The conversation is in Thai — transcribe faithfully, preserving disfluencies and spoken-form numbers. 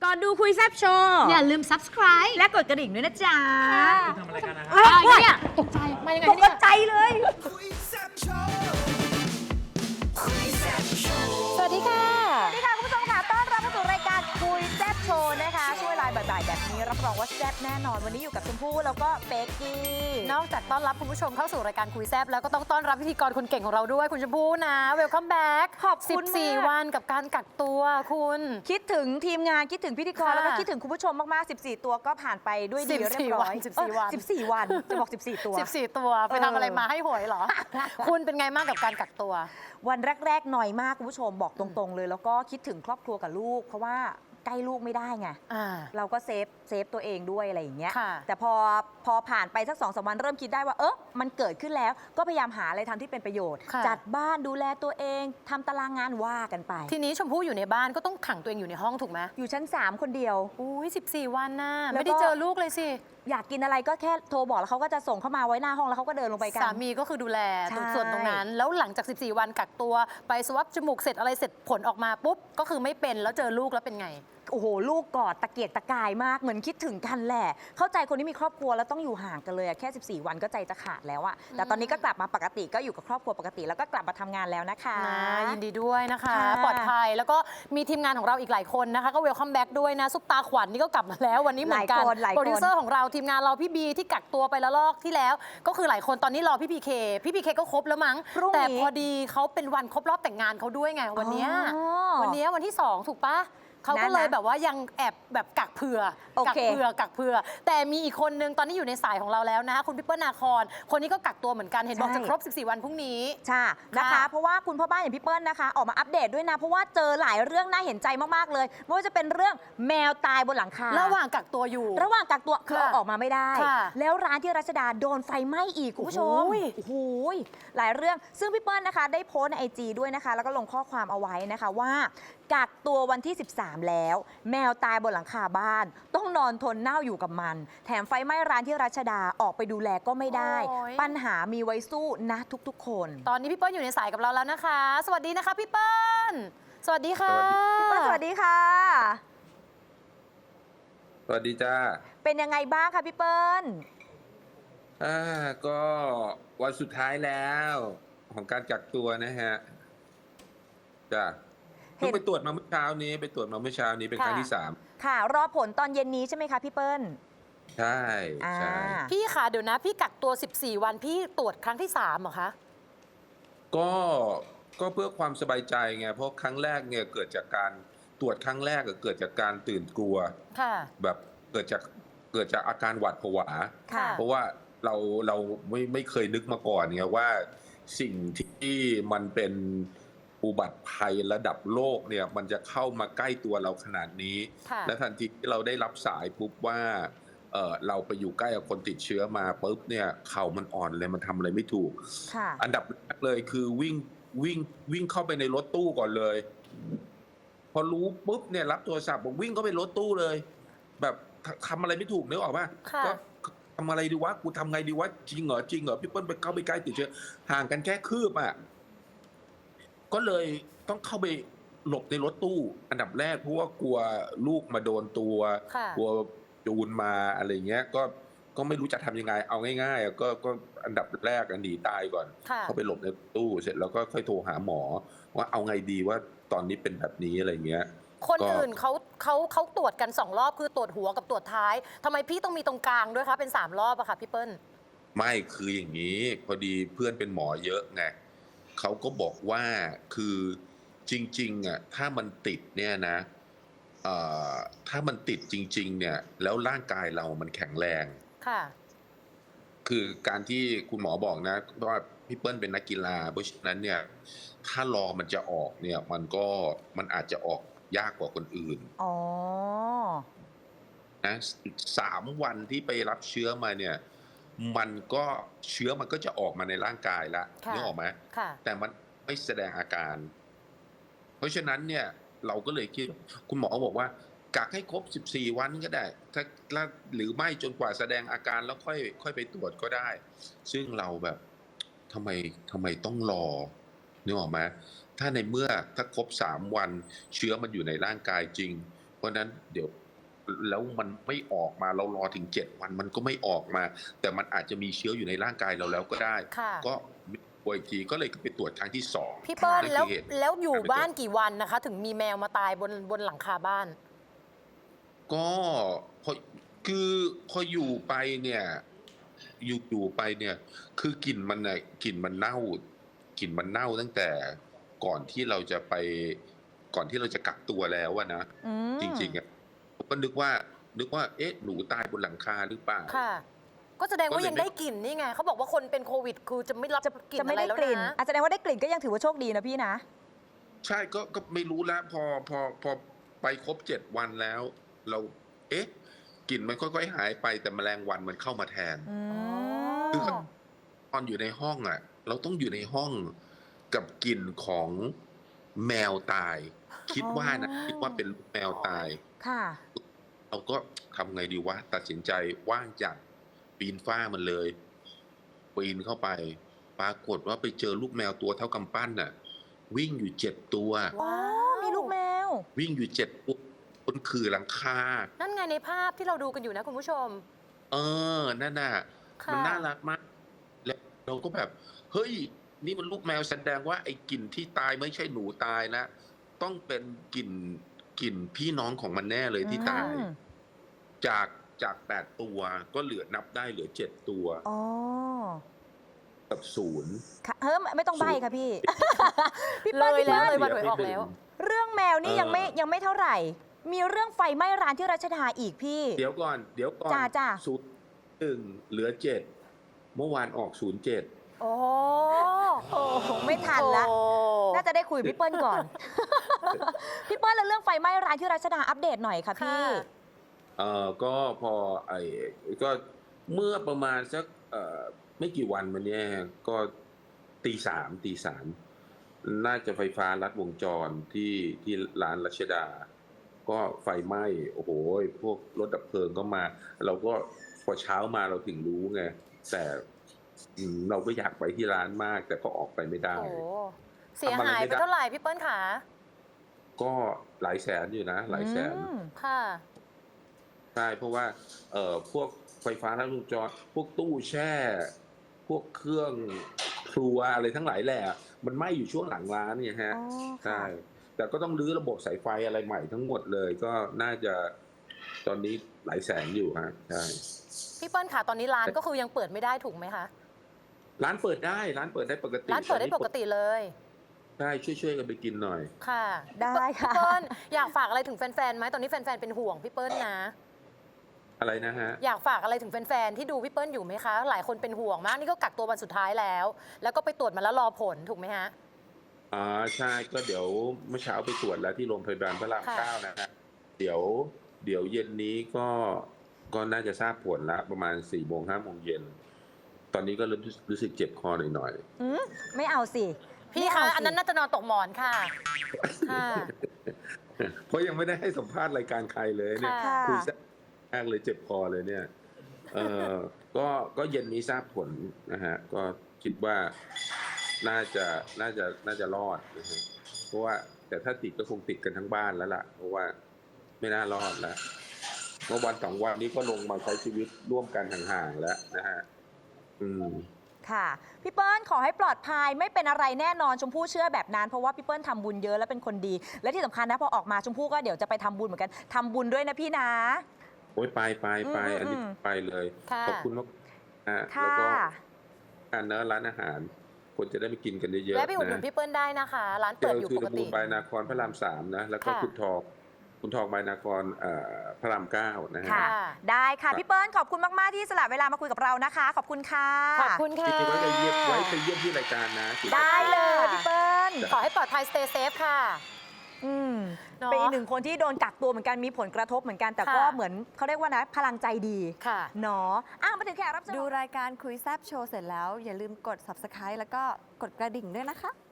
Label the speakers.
Speaker 1: ก่อนดูคุยแซบโชว์
Speaker 2: อย่าลืม ซับสไครบ์
Speaker 1: และกดกระดิ่งด้วยนะจ๊ะ
Speaker 3: ทำอะไรกันนะค
Speaker 1: เอ้
Speaker 3: รับ
Speaker 1: ยเนี่ย
Speaker 2: ตกใจ มายังไง
Speaker 1: ตก
Speaker 2: เนี่ย
Speaker 1: ใจเลย
Speaker 2: สวัสดีค่ะ
Speaker 1: สวัสดีค่ะคุณผู้ชมค่ะต้อนรับเข้าสู่รายการคุยแซบโชว์นะคะช่วงเวลาบ่ายๆแบบนี้รับรองว่าแซบแน่นอนวันนี้อยู่กับชมพู่แล้วก็เป๊กกี้
Speaker 2: นอกจากต้อนรับคุณผู้ชมเข้าสู่รายการคุยแซบแล้วก็ต้องต้อนรับพิธีกรคนเก่งของเราด้วยคุณชมพู่นะ เวลคัมแบ็ก
Speaker 1: ขอบคุณมาก
Speaker 2: สิบสี่ วันกับการกักตัวคุณ
Speaker 1: คิดถึงทีมงานคิดถึงพิธีกร
Speaker 2: ค่ะ
Speaker 1: แล้วก็คิดถึงคุณผู้ชมมากๆ สิบสี่ ตัวก็ผ่านไปด้วยดี
Speaker 2: สิบสี่
Speaker 1: เรียบร้อย
Speaker 2: วันสิบสี่วัน
Speaker 1: เออสิบสี่ วันจะบอก สิบสี่ ตัว
Speaker 2: สิบสี่ ตัวไป
Speaker 1: เออ
Speaker 2: ทำอะไรมาให้หวยเหรอ คุณเป็นไงบ้างกับการกักตัว
Speaker 1: วันแรกๆหน่อยมากคุณผู้ชมบอกตรงๆเลย แล้วก็คิดถึงครอบครัวกับลูก เพราะว่าใกล้ลูกไม่ได้ไง
Speaker 2: อ่า
Speaker 1: เราก็เซฟเซฟตัวเองด้วยอะไรอย่างเงี้ย
Speaker 2: ค่ะ
Speaker 1: แต่พอพอผ่านไปสักสองสามวันเริ่มคิดได้ว่าเออมันเกิดขึ้นแล้วก็พยายามหาอะไรทำที่เป็นประโยชน์
Speaker 2: ค่ะ
Speaker 1: จัดบ้านดูแลตัวเองทำตารางงานว่ากันไป
Speaker 2: ทีนี้ชมพู่อยู่ในบ้านก็ต้องขังตัวเองอยู่ในห้องถูกไหม
Speaker 1: อยู่ชั้นสามคนเดียว
Speaker 2: อุ้ยสิบสี่ วันน่ะ
Speaker 1: แล้วก็
Speaker 2: ไม่ได้เจอลูกเลยสิ
Speaker 1: อยากกินอะไรก็แค่โทรบอกแล้วเขาก็จะส่งเข้ามาไว้หน้าห้องแล้วเขาก็เดินลงไปกัน
Speaker 2: สามีก็คือดูแล
Speaker 1: ใช่
Speaker 2: ส่วนตรงนั้น แล้วหลังจาก สิบสี่ วันกักตัวไปสวอปจมูกเสร็จอะไรเสร็จผลออกมาปุ๊บ ก็คือไม่เป็นแล้วเจอลูกแล้วเป็นไง
Speaker 1: โอ้โหลูกกอดตะเกียกตะกายมากเหมือนคิดถึงกันแหละ เข้าใจคนที่มีครอบครัวแล้วต้องอยู่ห่างกันเลยอะแค่ สิบสี่ วันก็ใจจะขาดแล้วอะแต่ตอนนี้ก็กลับมาปกติก็อยู่กับครอบครัวปกติแล้วก็กลับมาทำงานแล้วนะคะ
Speaker 2: นะยินดีด้วยนะคะ
Speaker 1: ค่ะ
Speaker 2: ปลอดภัยแล้วก็มีทีมงานของเราอีกหลายคนนะคะ ก็เวลคัมแบ็กด้วยนะซุปตาขวัญนี่ก็กลับมาแล้ววันนี้เหมือนกัน
Speaker 1: หลายคนหลายคน
Speaker 2: โปรดิวเซอร์ของเราทีมงานเราพี่บีที่กักตัวไปละลอกที่แล้ว ก็คือหลายคนตอนนี้รอพี่พีเคพี่พีเคก็ครบแล้วมั้ง
Speaker 1: พรุ่งนี้
Speaker 2: แต่พอดีเขาเป็นวันครบรอบแต่งงานเขาด้วยไงวันเนี้ย
Speaker 1: อ๋อ
Speaker 2: วันเนี้ยวันที่สองถูกปะเขาก็
Speaker 1: นะ
Speaker 2: เลย
Speaker 1: นะ
Speaker 2: แบบว่ายังแอบแบบกักเผื่อ
Speaker 1: โอ
Speaker 2: กั
Speaker 1: เค
Speaker 2: เผื่อกักเผื่อ แต่มีอีกคนนึงตอนนี้อยู่ในสายของเราแล้วนะคุณพี่เปิ้ลนาคอนคนนี้ก็กักตัวเหมือนกันเห็นบอก
Speaker 1: ใช่
Speaker 2: จะครบสิบสี่ วันพรุ่งนี้
Speaker 1: ใช่นะคะ
Speaker 2: ค่ะ
Speaker 1: เพราะว่าคุณพ่อบ้านอย่างพี่เปิ้ลนะคะ ออกมาอัปเดตด้วยนะ เพราะว่าเจอหลายเรื่องน่าเห็นใจมาก ๆ เลยไม่ว่าจะเป็นเรื่องแมวตายบนหลังคา
Speaker 2: ระหว่างกักตัวอยู่
Speaker 1: ระหว่างกักตัวคือ
Speaker 2: ค่ะ
Speaker 1: เอาออกมาไม่ได้
Speaker 2: ค่ะ
Speaker 1: แล้วร้านที่รัชดาโดนไฟไหม้อีกคุณผู้ชม
Speaker 2: โอ้โห
Speaker 1: โอ้โหหลายเรื่องซึ่งพี่เปิ้ลนะคะ ได้โพสต์ในไอจีด้วยนะคะ แล้วก็ลงข้อความเอาไว้นะคะว่า กักตัววันที่ สิบสาม แล้ว แมวตายบนหลังคาบ้าน ต้องนอนทนเน่าอยู่กับมัน แถมไฟไหม้ร้านที่รัชดาออกไปดูแลก็ไม่ได้
Speaker 2: โอ้ย
Speaker 1: ปัญหามีไว้สู้นะทุกๆ คน
Speaker 2: ตอนนี้พี่เปิ้ลอยู่ในสายกับเราแล้วนะคะ สวัสดีนะคะพี่เปิ้ล สวัสดีค่ะ
Speaker 1: พี่เปิ้ลสวัสดีค่ะ
Speaker 4: สวัสดีจ้า
Speaker 1: เป็นยังไงบ้างคะพี่เปิ้ล
Speaker 4: อ่าก็วันสุดท้ายแล้วของการกักตัวนะฮะจ้า
Speaker 1: เห็น
Speaker 4: เพิ่งไปตรวจมาเมื่อเช้านี้ไปตรวจมาเมื่อเช้านี้เป็นครั้ง
Speaker 1: ค่ะ
Speaker 4: ที่สาม
Speaker 1: ค่ะ รอผลตอนเย็นนี้ใช่ไหมคะพี่เปิ้ล
Speaker 4: ใช่
Speaker 1: อ่า
Speaker 4: ใช่
Speaker 2: พี่ค่ะเดี๋ยวนะ พี่กักตัว สิบสี่ วันพี่ตรวจครั้งที่สามเหรอคะ
Speaker 4: ก็ก็เพื่อความสบายใจไงเพราะครั้งแรกเนี่ยเกิดจากการตรวจครั้งแรกก็เกิดจากการตื่นกลัว
Speaker 2: ค่ะ
Speaker 4: แบบเกิดจากเกิดจากอาการหวาดผวา
Speaker 1: ค่ะ
Speaker 4: เพราะว่าเราเราไม่ไม่เคยนึกมาก่อนไงว่าสิ่งที่มันเป็นอุบัติภัยระดับโลกเนี่ยมันจะเข้ามาใกล้ตัวเราขนาดนี้
Speaker 2: ค่ะ
Speaker 4: และทันทีที่เราได้รับสายปุ๊บว่าเออเราไปอยู่ใกล้กับคนติดเชื้อมาปุ๊บเนี่ยเข่ามันอ่อนเลยมันทำอะไรไม่ถูก
Speaker 1: ค่ะ
Speaker 4: อันดับแรกเลยคือวิ่งวิ่งวิ่งเข้าไปในรถตู้ก่อนเลย พอรู้ปุ๊บเนี่ยรับโทรศัพท์บอกวิ่งเข้าไปรถตู้เลย แบบททำอะไรไม่ถูกนึกออกป่ะ
Speaker 2: ค่ะ
Speaker 4: ก็ทำอะไรดีวะกูทำไงดีวะจริงเหรอจริงเหรอพี่เปิ้ลไปเข้าไปใกล้ติดเชื้อห่างกันแค่คืบอ่ะก็เลยต้องเข้าไปหลบในรถตู้ อันดับแรกเพราะว่ากลัวลูกมาโดนตัว
Speaker 2: ค่ะ
Speaker 4: กลัวจูนมาอะไรเงี้ย ก็ก็ไม่รู้จะทำยังไง เอาง่ายๆอ่ะก็ก็อันดับแรกอ่ะหนีตายก่อน
Speaker 2: ค่ะ
Speaker 4: เข้าไปหลบในตู้เสร็จแล้วก็ค่อยโทรหาหมอ ว่าเอาไงดีว่าตอนนี้เป็นแบบนี้อะไรเงี้ย
Speaker 2: คน
Speaker 4: ก็
Speaker 2: อื่นเขาเขาเขาตรวจกันสองรอบคือตรวจหัวกับตรวจท้ายทำไมพี่ต้องมีตรงกลางด้วยคะเป็นสามรอบอะค่ะพี่เปิ้ล
Speaker 4: ไม่คืออย่างนี้ พอดีเพื่อนเป็นหมอเยอะไงเขาก็บอกว่าคือจริงๆอ่ะถ้ามันติดเนี่ยนะเอ่อถ้ามันติดจริง ๆ เนี่ย แล้วร่างกายเรามันแข็งแรง
Speaker 2: ค่ะ
Speaker 4: คือการที่คุณหมอบอกนะว่าพี่เปิ้ลเป็นนักกีฬาเพราะฉะนั้นเนี่ย ถ้ารอมันจะออกเนี่ย มันก็มันอาจจะออกยากกว่าคนอื่น
Speaker 1: อ๋อ
Speaker 4: นะสามวันที่ไปรับเชื้อมาเนี่ย มันก็เชื้อมันก็จะออกมาในร่างกายแล้ว
Speaker 2: ค่ะ
Speaker 4: นึกออกไหม
Speaker 2: ค่ะ
Speaker 4: แต่มันไม่แสดงอาการ เพราะฉะนั้นเนี่ยเราก็เลยคิดคุณหมอบอกว่ากักให้ครบสิบสี่วันก็ได้ ถ้าหรือไม่จนกว่าแสดงอาการแล้วค่อยค่อยไปตรวจก็ได้ ซึ่งเราแบบทำไมทำไมต้องรอนึกออกไหมถ้าในเมื่อถ้าครบสามวันเชื้อมันอยู่ในร่างกายจริงราะฉะนั้นเดี๋ยวแล้วมันไม่ออกมาเรารอถึงเจ็ดวันมันก็ไม่ออกมา แต่มันอาจจะมีเชื้ออยู่ในร่างกายเราแล้วก็ได้
Speaker 2: ค่ะ
Speaker 4: ก็ป่วยอีกทีก็เลยไปตรวจครั้งที่สอง
Speaker 2: พี่เปิ้ล
Speaker 4: นั่น
Speaker 2: แล้ว
Speaker 4: คือเหตุ
Speaker 2: แล้วอยู่บ้านกี่วันนะคะ ถึงมีแมวมาตายบนบนหลังคาบ้าน
Speaker 4: ก็พอคือพออยู่ไปเนี่ยอยู่อยู่ไปเนี่ย คือกลิ่นมันน่ะกลิ่นมันเน่ากลิ่นมันเน่าตั้งแต่ก่อนที่เราจะไปก่อนที่เราจะกักตัวแล้วอะนะ
Speaker 1: อืม
Speaker 4: จริงๆอะผมก็นึกว่า นึกว่า เอ๊ะ หนูตายบนหลังคาหรือเปล่า
Speaker 2: ค่ะ ก็แสดงว่า
Speaker 4: ก็เลย
Speaker 2: ยังได้กลิ่นนี่ไงเขาบอกว่าคนเป็นโควิด คือจะไม่รับ
Speaker 1: จะ
Speaker 2: กลิ่น
Speaker 1: จะไม่
Speaker 2: อะไร
Speaker 1: ได้
Speaker 2: แล้ว
Speaker 1: กลิ่น
Speaker 2: นะ
Speaker 1: อาจจะแสดงว่าได้กลิ่นก็ยังถือว่าโชคดีนะพี่นะ
Speaker 4: ใช่ก็ก็ไม่รู้แล้วพอพอพอไปครบเจ็ดวันแล้ว เรา เอ๊ะกลิ่นมันค่อยๆหายไปแต่แมลงวันมันเข้ามาแทน
Speaker 1: อื
Speaker 2: อ๋อ
Speaker 1: ม
Speaker 4: ตอนอยู่ในห้องอ่ะ เราต้องอยู่ในห้องกับกลิ่นของแมวตาย คิดว่านะ
Speaker 1: อ๋อ
Speaker 4: คิดว่าเป็นลูกแมวตาย
Speaker 1: ค่ะ
Speaker 4: เราก็ทำไงดีวะ ตัดสินใจว่างจากปีนฝ้ามันเลย ปีนเข้าไป ปรากฏว่าไปเจอลูกแมวตัวเท่ากำปั้นน่ะ วิ่งอยู่เจ็ดตัว
Speaker 1: อ๋อ มีลูกแมว
Speaker 4: วิ่งอยู่เจ็ดตัวบนขื่อหลังคา
Speaker 2: นั่นไงในภาพที่เราดูกันอยู่นะคุณผู้ชม
Speaker 4: เออ นั่นน่ะ
Speaker 2: ค่ะ
Speaker 4: มันน่ารักมาก แล้วเราก็แบบ เฮ้ย นี่มันลูกแมวแสดงว่าไอ้กลิ่นที่ตายไม่ใช่หนูตายนะ ต้องเป็นกลิ่นกลิ่นพี่น้องของมันแน่เลยที่ตาย
Speaker 1: อืม
Speaker 4: จากจากแปดตัวก็เหลือนับได้เหลือเจ็ดตัว
Speaker 1: อ๋อ
Speaker 4: กับศูนย์
Speaker 1: ค่ะเฮ้ยไม่ต้องใบค่ะพี่ พี่
Speaker 2: เล
Speaker 1: เปิ้ล
Speaker 2: ย
Speaker 1: พี่
Speaker 2: แล้ว
Speaker 1: เปิ้ล
Speaker 2: เลยวันหวยออกแล้ว
Speaker 1: เรื่องแมวนี่
Speaker 4: เออ
Speaker 1: ยังไม่ยังไม่เท่าไหร่ มีเรื่องไฟไหม้ร้านที่รัชดาอีกพี่
Speaker 4: เดี๋ยวก่อน เดี๋ยวก่อน
Speaker 1: จ้าจ้า
Speaker 4: ศูนย์หนึ่งเหลือเจ็ดเมื่อวานออกศูนย์เจ็ด
Speaker 2: โอ้
Speaker 1: โอ้โหไม่ทันละ
Speaker 2: โอ้
Speaker 1: น่าจะได้คุยกับพี่เปิ้ลก่อน พี่เปิ้ลแล้วเรื่องไฟไหม้ร้านที่รัชดาอัปเดตหน่อยค่ะพี่
Speaker 2: ค่ะ
Speaker 4: เอ่อก็พอไอ้ก็เมื่อประมาณสักเอ่อไม่กี่วันมาเนี้ยก็ตีสามตีสามน่าจะไฟฟ้าลัดวงจรที่ที่ร้านรัชดา ก็ไฟไหม้โอ้โหพวกรถดับเพลิงก็มา เราก็พอเช้ามาเราถึงรู้ไงแต่อืมเราก็อยากไปที่ร้านมาก แต่ก็ออกไปไม่ได้
Speaker 2: โอ้เสียหายไปเท่าไหร่พี่เปิ้ลขา
Speaker 4: ก็หลายแสนอยู่นะ หลายแสน
Speaker 1: อืม
Speaker 2: ค่ะ
Speaker 4: ใช่เพราะว่าเอ่อพวกไฟฟ้าลัดวงจรพวกตู้แช่ พวกเครื่องครัวอะไรทั้งหลายแหละมันไหม้อยู่ช่วงหลังร้านเนี่ยฮะ
Speaker 1: อ๋อ
Speaker 4: ใช่
Speaker 1: ค่ะ
Speaker 4: แต่ก็ต้องรื้อระบบสายไฟอะไรใหม่ทั้งหมดเลย ก็น่าจะตอนนี้หลายแสนอยู่ฮะใช่
Speaker 2: พี่เปิ้ลขาตอนนี้ร้านก็คือยังเปิดไม่ได้ถูกไหมคะ
Speaker 4: ร้านเปิดได้ร้านเปิดได้ปกติ
Speaker 2: ร้านเปิดได้ปกติเลย
Speaker 4: ใช่ช่วยๆกันไปกินหน่อย
Speaker 2: ค่ะ
Speaker 1: ได้ค่ะ
Speaker 2: พี่เปิ้ลอยากฝากอะไรถึงแฟนๆไหมตอนนี้แฟนๆเป็นห่วงพี่เปิ้ลนะ
Speaker 4: อะไรนะฮะ
Speaker 2: อยากฝากอะไรถึงแฟนๆที่ดูพี่เปิ้ลอยู่ไหมคะ หลายคนเป็นห่วงมากนี่ก็กักตัววันสุดท้ายแล้ว แล้วก็ไปตรวจมาแล้วรอผลถูกไหมฮะ
Speaker 4: อ๋อใช่ก็เดี๋ยวเมื่อเช้าไปตรวจแล้วที่โรงพยาบาลพระราม
Speaker 2: ค่ะ
Speaker 4: เก้านะฮะเดี๋ยวเดี๋ยวเย็นนี้ก็ก็น่าจะทราบผลละประมาณสี่โมงห้าโมงเย็นตอนนี้ก็เริ่มรู้สึกเจ็บคอหน่อย
Speaker 1: อืมไม่เอาสิ
Speaker 2: พี่
Speaker 1: ไม่
Speaker 2: คะ
Speaker 1: เาสิ
Speaker 2: อันนั้นน่าจะนอนตกหมอนค่ะ ค่ะ
Speaker 4: ๆเพราะยังไม่ได้ให้สัมภาษณ์รายการใครเลยเนี่ย
Speaker 2: ค่ะ
Speaker 4: คุยแซ่บมากเลยเจ็บคอเลยเนี่ยเออก็ก็เย็นนี้ทราบผลนะฮะก็คิดว่าน่าจะน่าจะน่าจะรอดนะฮะเพราะว่าแต่ถ้าติดก็คงติดกันทั้งบ้านแล้วล่ะ เพราะว่าไม่น่ารอดแล้วเมื่อวันสองวันนี้ก็ลงมาใช้ชีวิตร่วมกันห่างๆแล้วนะฮะอืม
Speaker 1: ค่ะพี่เปิ้ลขอให้ปลอดภัยไม่เป็นอะไรแน่นอนชมพู่เชื่อแบบนั้นเพราะว่าพี่เปิ้ลทำบุญเยอะและเป็นคนดี และที่สำคัญนะพอออกมาชมพู่ก็เดี๋ยวจะไปทำบุญเหมือนกันทำบุญด้วยนะพี่นะ
Speaker 4: โอ้ยไปไปไป
Speaker 1: อืม
Speaker 4: อันนี้
Speaker 1: อืม
Speaker 4: ไปเลย
Speaker 2: ค่ะ
Speaker 4: ขอบคุณมากนะแล้ว
Speaker 1: ค่ะ
Speaker 4: ก็การเนอะร้านอาหารคนจะได้ไปกินกันเยอะ
Speaker 2: แวะไปอุดหนุน
Speaker 4: ๆนะ
Speaker 2: พี่เปิ้ลได้นะคะ ร้าน
Speaker 4: เจ
Speaker 2: เปิด
Speaker 4: อ
Speaker 2: อยู่
Speaker 4: คือ
Speaker 2: ปก
Speaker 4: ตะบู
Speaker 2: ติ
Speaker 4: ลบายนาครพระรามสามนะแล้วก็
Speaker 2: ค่ะ
Speaker 4: คุณทองคุณทองบายนาครเอ่อพระรามเก้านะฮะ
Speaker 1: ค่ะ ได้ค่ะพี่เปิ้ลขอบคุณมาก ๆ ที่สละเวลามาคุยกับเรานะคะ ขอบคุณค่ะ
Speaker 2: ขอบคุณค่ะ
Speaker 4: จริงๆไว้ไปเยี่ยมไว้ไปเยี่ยมที่รายการนะ
Speaker 1: ได้เลยพี่เปิ้ล
Speaker 2: ขอให้ปลอดภัย stay safe ค่ะ
Speaker 1: อืม
Speaker 2: เนาะ
Speaker 1: เป็นอีกหนึ่งคนที่โดนกักตัวเหมือนกันมีผลกระทบเหมือนกันแต่ก็
Speaker 2: ค่ะ
Speaker 1: เหมือนเขาเรียกว่านะพลังใจดี
Speaker 2: ค่ะ
Speaker 1: เนาะอ้าวมาถึงแขกรับเชิญ
Speaker 3: ดูรายการคุยแซบโชว์เสร็จแล้ว อย่าลืมกด ซับสไครบ์ แล้วก็กดกระดิ่งด้วยนะคะ